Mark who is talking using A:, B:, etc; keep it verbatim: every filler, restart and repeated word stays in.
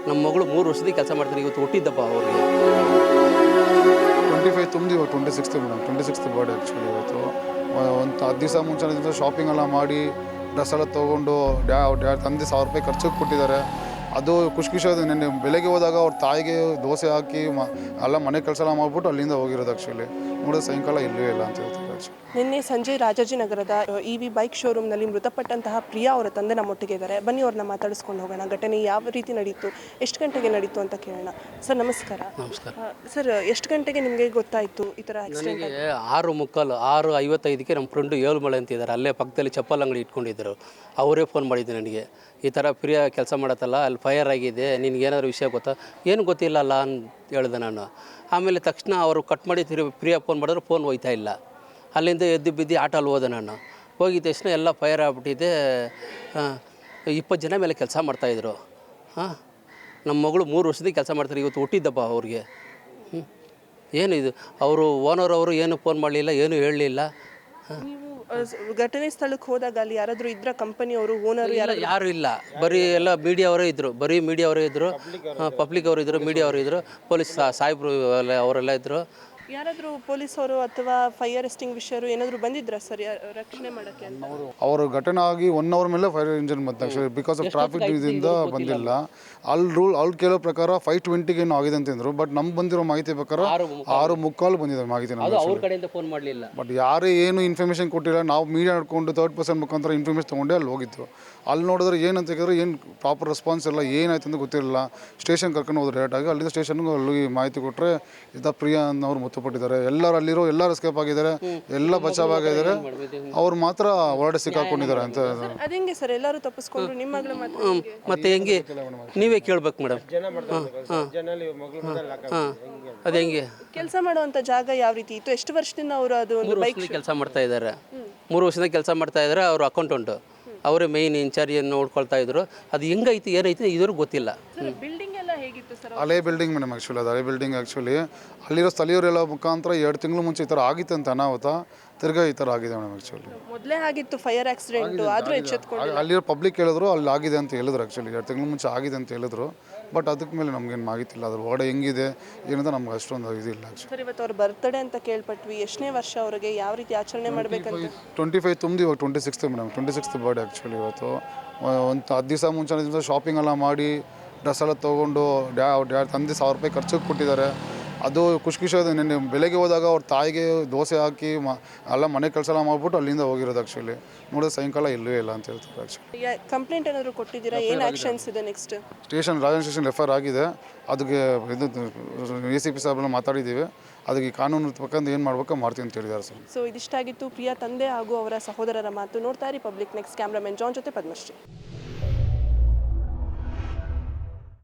A: ನಮ್ಮ ಮಗಳು ಮೂರು ವರ್ಷದಿಂದ ಕೆಲಸ ಮಾಡ್ತಾರೆ, ಇವತ್ತು ಹುಟ್ಟಿದ್ದಪ್ಪ ಅವ್ರಿಗೆ.
B: ಟ್ವೆಂಟಿ ಫೈವ್ ತುಂಬಿ ಇವಾಗ twenty sixth madam, twenty sixth birthday actually ಇವತ್ತು. ಒಂದು ಹತ್ತು ದಿವಸ ಮುಂಚೆ ಶಾಪಿಂಗ್ ಎಲ್ಲ ಮಾಡಿ ಡ್ರೆಸ್ ಎಲ್ಲ ತೊಗೊಂಡು ಡ್ಯಾ ಡ್ಯಾ ತಂದೆ ಸಾವಿರ ರೂಪಾಯಿ ಖರ್ಚಿಗೆ ಕೊಟ್ಟಿದ್ದಾರೆ. ಅದು ಖುಷಿ ಖುಷಿ ಆದ. ನೆನ್ನೆ ಬೆಳಗ್ಗೆ ಹೋದಾಗ ಅವ್ರ ತಾಯಿಗೆ ದೋಸೆ ಹಾಕಿ ಮ ಎಲ್ಲ ಮನೆ ಕೆಲಸ ಎಲ್ಲ ಮಾಡಿಬಿಟ್ಟು ಅಲ್ಲಿಂದ ಹೋಗಿರೋದು ಆ್ಯಕ್ಚುಲಿ. ನೋಡಿದ್ರೆ ಸಾಯಂಕಾಲ ಇಲ್ಲವೇ ಇಲ್ಲ ಅಂತ ಹೇಳ್ತಾರೆ ಆ್ಯಕ್ಚುಲಿ.
C: ನಿನ್ನೆ ಸಂಜೆ ರಾಜಾಜಿನಗರದ ಇ ವಿ ಬೈಕ್ ಶೋರೂಮ್ನಲ್ಲಿ ಮೃತಪಟ್ಟಂತಹ ಪ್ರಿಯಾ ಅವರ ತಂದೆ ನಮ್ಮೊಟ್ಟಿಗೆ ಇದ್ದಾರೆ. ಬನ್ನಿ ಅವ್ರನ್ನ ಮಾತಾಡಿಸ್ಕೊಂಡು ಹೋಗೋಣ. ಘಟನೆ ಯಾವ ರೀತಿ ನಡೀತು, ಎಷ್ಟು ಗಂಟೆಗೆ ನಡೀತು ಅಂತ ಕೇಳೋಣ. ಸರ್ ನಮಸ್ಕಾರ.
A: ನಮಸ್ಕಾರ
C: ಸರ್, ಎಷ್ಟು ಗಂಟೆಗೆ ನಿಮಗೆ ಗೊತ್ತಾಯಿತು ಈ ಥರ ಆಕ್ಸಿಡೆಂಟ್?
A: ನನಗೆ ಆರು ಮುಕ್ಕಾಲು ಆರು ಐವತ್ತೈದಕ್ಕೆ ನಮ್ಮ ಫ್ರೆಂಡು ಏಳುಮಳೆ ಅಂತಿದ್ದಾರೆ, ಅಲ್ಲೇ ಪಕ್ಕದಲ್ಲಿ ಚಪ್ಪಲ್ ಅಂಗಡಿ ಇಟ್ಕೊಂಡಿದ್ದರು. ಅವರೇ ಫೋನ್ ಮಾಡಿದ್ದು ನನಗೆ, ಈ ಥರ ಪ್ರಿಯಾ ಕೆಲಸ ಮಾಡತ್ತಲ್ಲ, ಅಲ್ಲಿ ಫೈರ್ ಆಗಿದೆ, ನಿನಗೇನಾದ್ರು ವಿಷಯ ಗೊತ್ತಾ? ಏನು ಗೊತ್ತಿಲ್ಲ ಅಲ್ಲ ಅಂತ ಹೇಳಿದೆ ನಾನು. ಆಮೇಲೆ ತಕ್ಷಣ ಅವರು ಕಟ್ ಮಾಡಿ ತಿರು ಪ್ರಿಯಾ ಫೋನ್ ಮಾಡಿದ್ರು, ಫೋನ್ ಹೋಯ್ತಾ ಇಲ್ಲ. ಅಲ್ಲಿಂದ ಎದ್ದು ಬಿದ್ದು ಆಟೋಲ್ಲಿ ಹೋದೆ ನಾನು. ಹೋಗಿದ ತಕ್ಷಣ ಎಲ್ಲ ಫೈರ್ ಆಗಿಬಿಟ್ಟಿದೆ. ಇಪ್ಪತ್ತು ಜನ ಮೇಲೆ ಕೆಲಸ ಮಾಡ್ತಾಯಿದ್ರು. ಹಾಂ, ನಮ್ಮ ಮಗಳು ಮೂರು ವರ್ಷದಿಂದ ಕೆಲಸ ಮಾಡ್ತಾರೆ, ಇವತ್ತು ಹುಟ್ಟಿದ್ದಪ್ಪ ಅವ್ರಿಗೆ. ಹ್ಞೂ, ಏನು ಇದು, ಅವರು ಓನರ್ ಅವರು ಏನು ಫೋನ್ ಮಾಡಲಿಲ್ಲ, ಏನೂ ಹೇಳಲಿಲ್ಲ.
C: ನೀವು ಘಟನೆ ಸ್ಥಳಕ್ಕೆ ಹೋದಾಗ ಅಲ್ಲಿ ಯಾರಾದರೂ ಇದ್ರ ಕಂಪನಿಯವರು, ಓನರು ಯಾರು?
A: ಯಾರು ಇಲ್ಲ, ಬರೀ ಎಲ್ಲ ಮೀಡಿಯಾವರೇ ಇದ್ದರು, ಬರೀ ಮೀಡಿಯಾವರೇ ಇದ್ದರು, ಪಬ್ಲಿಕ್ ಅವರು ಇದ್ದರು, ಮೀಡಿಯಾವರು ಇದ್ದರು, ಪೊಲೀಸ್ ಸಾಹೇಬರು ಅವರೆಲ್ಲ ಇದ್ದರು.
C: ಯಾರಾದರೂ ಪೊಲೀಸವರು ಅಥವಾ ಫೈರ್ ಎಸ್ಟಿಂಗ್ವಿಷರು ಏನಾದರೂ ಬಂದಿದ್ರಾ ಸರ್ ರಕ್ಷಣೆ ಮಾಡೋಕ್ಕೆ ಅಂತ?
B: ಅವರು ಘಟನೆ ಆಗಿ ಒನ್ ಅವರ್ ಮೇಲೆ ಫೈರ್ ಇಂಜಿನ್ ಬಂತು ಆ್ಯಕ್ಚುಲಿ. ಬಿಕಾಸ್ ಆಫ್ ಟ್ರಾಫಿಕ್ ಇದರಿಂದ ಬಂದಿಲ್ಲ. ಅಲ್ಲಿ ರೂಲ್ ಅವ್ರು ಕೇಳೋ ಪ್ರಕಾರ ಫೈವ್ ಟ್ವೆಂಟಿಗೆ ಏನೋ ಆಗಿದೆ ಅಂತಿದ್ರು. ಬಟ್ ನಮ್ಗೆ ಬಂದಿರೋ ಮಾಹಿತಿ ಪ್ರಕಾರ ಆರು ಮುಕ್ಕಾಲು ಬಂದಿದೆ ಮಾಹಿತಿ ನಮಗೆ.
A: ಅವ್ರ ಕಡೆಯಿಂದ ಫೋನ್ ಮಾಡಲಿಲ್ಲ.
B: ಬಟ್ ಯಾರೇ ಏನು ಇನ್ಫಾರ್ಮೇಷನ್ ಕೊಟ್ಟಿಲ್ಲ. ನಾವು ಮೀಡಿಯಾ ನಡ್ಕೊಂಡು ತರ್ಡ್ ಪರ್ಸನ್ ಮುಖಾಂತರ ಇನ್ಫಾರ್ಮೇಷನ್ ತೊಗೊಂಡೆ ಅಲ್ಲಿ ಹೋಗಿತ್ತು. ಅಲ್ಲಿ ನೋಡಿದ್ರೆ ಏನಂತ ಹೇಳಿದ್ರೆ ಏನು ಪ್ರಾಪರ್ ರೆಸ್ಪಾನ್ಸ್ ಇಲ್ಲ, ಏನಾಯ್ತು ಅಂತ ಗೊತ್ತಿರಲಿಲ್ಲ. ಸ್ಟೇಷನ್ ಕರ್ಕೊಂಡು ಹೋದ್ರು ಡೈರೆಕ್ಟಾಗಿ. ಅಲ್ಲಿಂದ ಸ್ಟೇಷನ್ಗೆ ಅಲ್ಲಿ ಮಾಹಿತಿ ಕೊಟ್ಟರೆ ಇದ್ದ ಪ್ರಿಯಾ ಅನ್ನೋರು ಮೃತಪಟ್ಟಿದ್ದಾರೆ. ಎಲ್ಲರೂ ಅಲ್ಲಿರೋ ಎಲ್ಲರೂ ಎಸ್ಕೇಪ್ ಆಗಿದ್ದಾರೆ, ಎಲ್ಲ ಬಚಾವ್ ಆಗಿದ್ದಾರೆ. ಅವ್ರು ಮಾತ್ರ ಹೊರಡೆ ಸಿಕ್ಕಾಕೊಂಡಿದ್ದಾರೆ ಅಂತ.
C: ಅದೇಂಗೆ ಸರ್ ಎಲ್ಲರೂ ತಪ್ಪಿಸ್ಕೊಂಡ್ರು, ನಿಮ್ಮ ಮಗಳು ಮಾತ್ರ?
A: ಮತ್ತೆ ಹೆಂಗೆ ನೀವೇ ಕೇಳ್ಬೇಕು ಮೇಡಮ್. ಹಾಂ, ಅದು ಹೆಂಗೆ
C: ಕೆಲಸ ಮಾಡುವಂಥ ಜಾಗ ಯಾವ ರೀತಿ ಇತ್ತು? ಎಷ್ಟು ವರ್ಷದಿಂದ ಅವರು ಅದು ಒಂದು ಬೈಕ್
A: ಕೆಲಸ ಮಾಡ್ತಾ ಇದ್ದಾರೆ? ಮೂರು ವರ್ಷದಿಂದ ಕೆಲಸ ಮಾಡ್ತಾ ಇದ್ದಾರೆ. ಅವರು ಅಕೌಂಟೆಂಟು, ಅವರೇ ಮೇಯ್ನ್ ಇನ್ಚಾರ್ಜ್ ನೋಡ್ಕೊಳ್ತಾ ಇದ್ರು. ಅದು ಹೆಂಗೈತಿ ಏನೈತಿ ಇದ್ರೂ ಗೊತ್ತಿಲ್ಲ.
C: ಬಿಲ್ಡಿಂಗ್ ಎಲ್ಲ ಹೇಗಿತ್ತು ಸರ್?
B: ಹಳೆ ಬಿಲ್ಡಿಂಗ್ ಮೇಡಮ್ ಆ್ಯಕ್ಚುಲಿ. ಅದು ಹಳೆ ಬಿಲ್ಡಿಂಗ್ ಆ್ಯಕ್ಚುಲಿ. ಅಲ್ಲಿರೋ ಸ್ಥಳೀಯರೆಲ್ಲ ಮುಖಾಂತರ ಎರಡು ತಿಂಗಳು ಮುಂಚೆ ಈ ಥರ ಆಗಿತ್ತು ಅಂತ ಅನಾಹುತ. ತಿರ್ಗಾ ಈ ಥರ ಆಗಿದೆ ಮೇಡಮ್ ಆ್ಯಕ್ಚುಲಿ.
C: ಮೊದಲೇ ಆಗಿತ್ತು ಫೈರ್ ಆಕ್ಸಿಡೆಂಟು, ಆದರೂ ಎಚ್ಚೆತ್ಕೊಂಡು
B: ಅಲ್ಲಿರೋ ಪಬ್ಲಿಕ್ ಹೇಳಿದ್ರು ಅಲ್ಲಿ ಆಗಿದೆ ಅಂತ ಹೇಳಿದ್ರು ಆ್ಯಕ್ಚುಲಿ. ಎರಡು ತಿಂಗಳು ಮುಂಚೆ ಆಗಿದೆ ಅಂತ ಹೇಳಿದ್ರು. ಬಟ್ ಅದಕ್ಕೆ ಮೇಲೆ ನಮಗೇನು ಮಾಹಿತಿಲ್ಲ, ಅದ್ರ ಒಳಗಡೆ ಹೆಂಗಿದೆ ಏನಂತ ನಮ್ಗೆ ಅಷ್ಟೊಂದು ಇದಿಲ್ಲ ಆ್ಯಕ್ಚುಲಿ.
C: ಸರ್, ಇವತ್ತು ಅವ್ರ ಬರ್ತ್ಡೇ ಅಂತ ಕೇಳ್ಪಟ್ವಿ. ಎಷ್ಟನೇ ವರ್ಷ ಅವ್ರಿಗೆ, ಯಾವ ರೀತಿ ಆಚರಣೆ ಮಾಡಬೇಕಂತ?
B: ಟ್ವೆಂಟಿ ಫೈವ್ ತುಂಬಿ ಇವಾಗ twenty sixth madam, twenty sixth birthday actually ಇವತ್ತು. ಒಂದು ಹತ್ತು ದಿವಸ ಮುಂಚೆ ಶಾಪಿಂಗ್ ಎಲ್ಲ ಮಾಡಿ ಡ್ರೆಸ್ ಎಲ್ಲ ತೊಗೊಂಡು ಡ್ಯಾ ಡ್ಯಾ ತಂದೆ ಸಾವಿರ ರೂಪಾಯಿ ಖರ್ಚಿಗೆ ಕೊಟ್ಟಿದ್ದಾರೆ. ಅದು ಖುಷಿ ಖುಷಿ ಆದ. ನೆನ್ನೆ ಬೆಳಗ್ಗೆ ಹೋದಾಗ ಅವ್ರ ತಾಯಿಗೆ ದೋಸೆ ಹಾಕಿ ಮ ಎಲ್ಲ ಮನೆ ಕೆಲಸ ಎಲ್ಲ ಮಾಡಿಬಿಟ್ಟು ಅಲ್ಲಿಂದ ಹೋಗಿರೋದು ಆ್ಯಕ್ಚುಲಿ. ನೋಡಿದ್ರೆ ಸಾಯಂಕಾಲ ಇಲ್ಲವೇ ಇಲ್ಲ ಅಂತ ಹೇಳ್ತಾರೆ ಆ್ಯಕ್ಚುಲಿ.
C: ಕಂಪ್ಲೇಂಟ್ ಏನಾದರೂ ಕೊಟ್ಟಿದ್ದೀರಾ? ಏನು ಆ್ಯಕ್ಷನ್ಸ್ ಇದೆ next?
B: Station Rajan station F I R ಆಗಿದೆ. ಅದಕ್ಕೆ ಇದು ಎ ಸಿ ಪಿ ಸಾಹೇಬ್ರೆಲ್ಲ ಮಾತಾಡಿದ್ದೀವಿ. ಅದಕ್ಕೆ ಕಾನೂನು ಪ್ರಕಾರ ಏನು ಮಾಡ್ಬೇಕು ಮಾಡ್ತೀವಿ ಅಂತ ಹೇಳಿದ್ದಾರೆ ಸರ್.
C: ಸೊ ಇದಿಷ್ಟಾಗಿತ್ತು ಪ್ರಿಯಾ ತಂದೆ ಹಾಗೂ ಅವರ ಸಹೋದರರ ಮಾತು. ನೋಡ್ತಾ ಇರಿ ಪಬ್ಲಿಕ್ ನೆಕ್ಸ್ಟ್. ಕ್ಯಾಮ್ರಾಮನ್ ಜಾನ್ ಜೊತೆ ಪದ್ಮಶ್ರೀ.